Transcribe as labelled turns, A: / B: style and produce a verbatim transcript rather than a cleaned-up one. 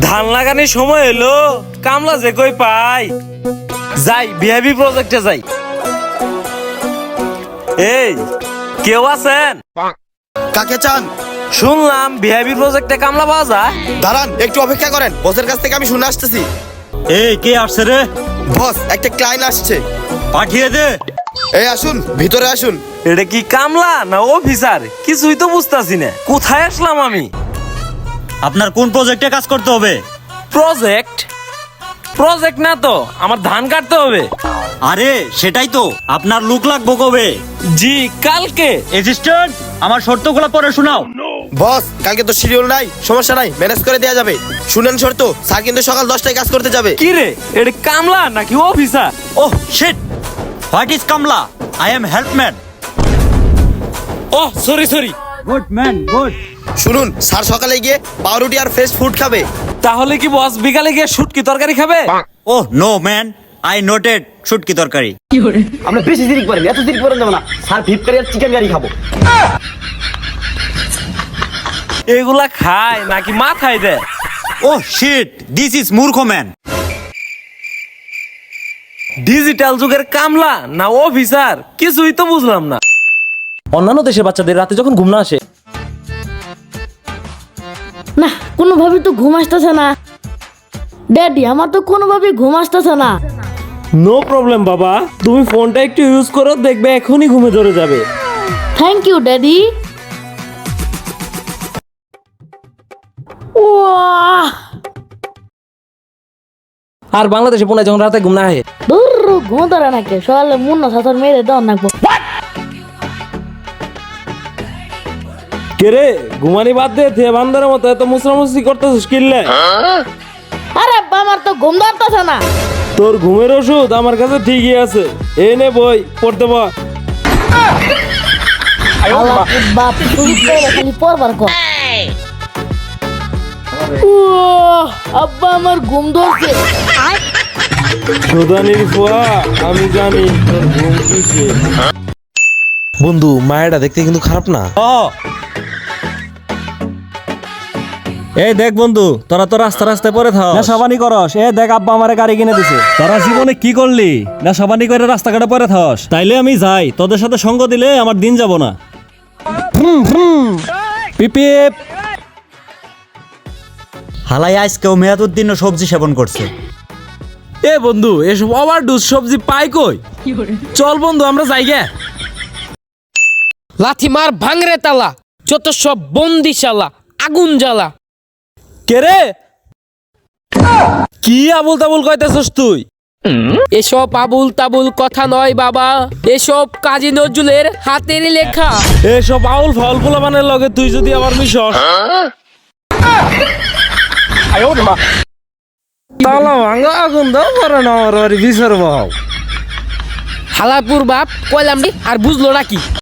A: ধান লাগানোর সময় এলো, কামলা যে কই পাই। যাই ভিআইপি প্রজেক্টে যাই। এই কেউ আছেন?
B: কাকে চান?
A: শুনলাম ভিআইপি প্রজেক্টে কামলা পাওয়া যায়।
B: দাঁড়ান, একটু অপেক্ষা করেন, বসের কাছ থেকে আমি শুনে আসতেছি।
C: এই কে আসছে রে?
B: বস, একটা ক্লায়েন্ট আসছে।
C: পাঠিয়ে দে।
B: এই আসুন, ভিতরে আসুন।
A: এটা কি কামলা না অফিসার? কিছুই তো বুঝতাছি না, কোথায় আসলাম আমি?
C: আপনার কোন প্রজেক্টে কাজ করতে হবে?
A: প্রজেক্ট প্রজেক্ট না তো, আমার ধান কাটতে হবে।
C: আরে সেটাই তো, আপনার লুক লাগবো কবে?
A: জি কালকে।
C: অ্যাসিস্ট্যান্ট, আমার শর্তগুলো পড়ে শোনাও।
B: বস, কালকে তো শিডিউল নাই, সমস্যা নাই, ম্যানেজ করে দেওয়া যাবে। শুনেন শর্ত, স্যার কিন্তু সকাল দশটায় কাজ করতে যাবে।
A: কি রে, এটা কামলা নাকি officer?
C: Oh shit, what is কামলা? I am helpman.
A: Oh sorry sorry.
C: Good man, good.
B: শুনুন, স্যার সকালে গিয়ে পাউরুটি আর ফ্রেশ ফুড খাবে।
A: তাহলে কি বস বিকালে গিয়ে শুটকি তরকারি খাবে?
C: Oh no man, I noted shutki torkari.
D: আমরা বেশি জিরিক করেন, এত জিরিক করেন যাবো না। স্যার ফিফ কারি আর চিকেন কারি খাবো।
A: এগুলা খায় নাকি মাথায় দেয়?
C: Oh shit, this is murkho man.
A: Digital যুগের কামলা না অফিসার, কিছুই তো বুঝলাম না।
E: অন্যান্য দেশের বাচ্চাদের রাতে যখন ঘুম না আসে,
F: না কোনোভাবেই তো ঘুম আসতেছে না। ড্যাডি, আমার তো কোনোভাবেই ঘুম আসতেছে না।
A: নো প্রবলেম বাবা, তুমি ফোনটা একটু ইউজ করো, দেখবে এখনই ঘুমে ধরে যাবে।
F: Thank you daddy. ওয়াহ,
E: আর বাংলাদেশে পোনায় যখন রাতে ঘুম না আসে,
F: দূর ঘুম ধরে নাকি, সকালে মুন্না সাথর মেরে দেওয়ার নাকবো।
A: কে রে, ঘুমানি বাদ দে, থে বান্দরের মতো এত মুসরামুসরি করতেছিস কিনলে?
F: আরে আব্বা, আমার তো ঘুম ধরতেছে না।
A: তোর ঘুমের ওষুধ আমার কাছে ঠিকই আছে, এই নে বই পড়তে বল।
F: আল্লাহ বাপ, তুমি তো খালি পড়বার কর। উয়াহ, আব্বা আমার ঘুম ধরছে।
A: সুদানির ফুয়া, আমি জানি তোর ঘুম কিসে।
G: বন্ধু, মায়েরা দেখতে কিন্তু খারাপ না।
C: ও এই দেখ বন্ধু, তোরা তো রাস্তা রাস্তায় পরে থাক, না সাবানি করস। এ দেখ, আব্বা আমারে গাড়ি কিনে দিছে। তোরা জীবনে কি করলি? না সাবানি করে রাস্তাঘাটে পরে থাকস। তাইলে আমি যাই, তোদের সাথে সঙ্গ দিলে আমার দিন যাব না। পিপিপ হালাই আজকেও মেয়াদুদ্দিন সবজি সেবন করছে।
A: এ বন্ধু, এসব ওভারডোজ সবজি পাই কই? চল বন্ধু আমরা যাই গে।
H: লাথি মার ভাঙরে তালা, যত সব বন্দিশালা, আগুন জ্বালা।
A: কে রে, কি আবুল তাবুল কইতেছস তুই?
H: এসব আবুল তাবুল কথা নয় বাবা, এসব কাজী নজরুলের হাতের লেখা।
A: এসব আউল ফাউল পোলাপানের লগে তুই যদি আবার মিশস, তালা ভাঙা আগুন দাও করে না আমার বাড়ি বিচার বাও।
H: হালাপুর বাপ কইলাম রে, আর বুঝলো নাকি?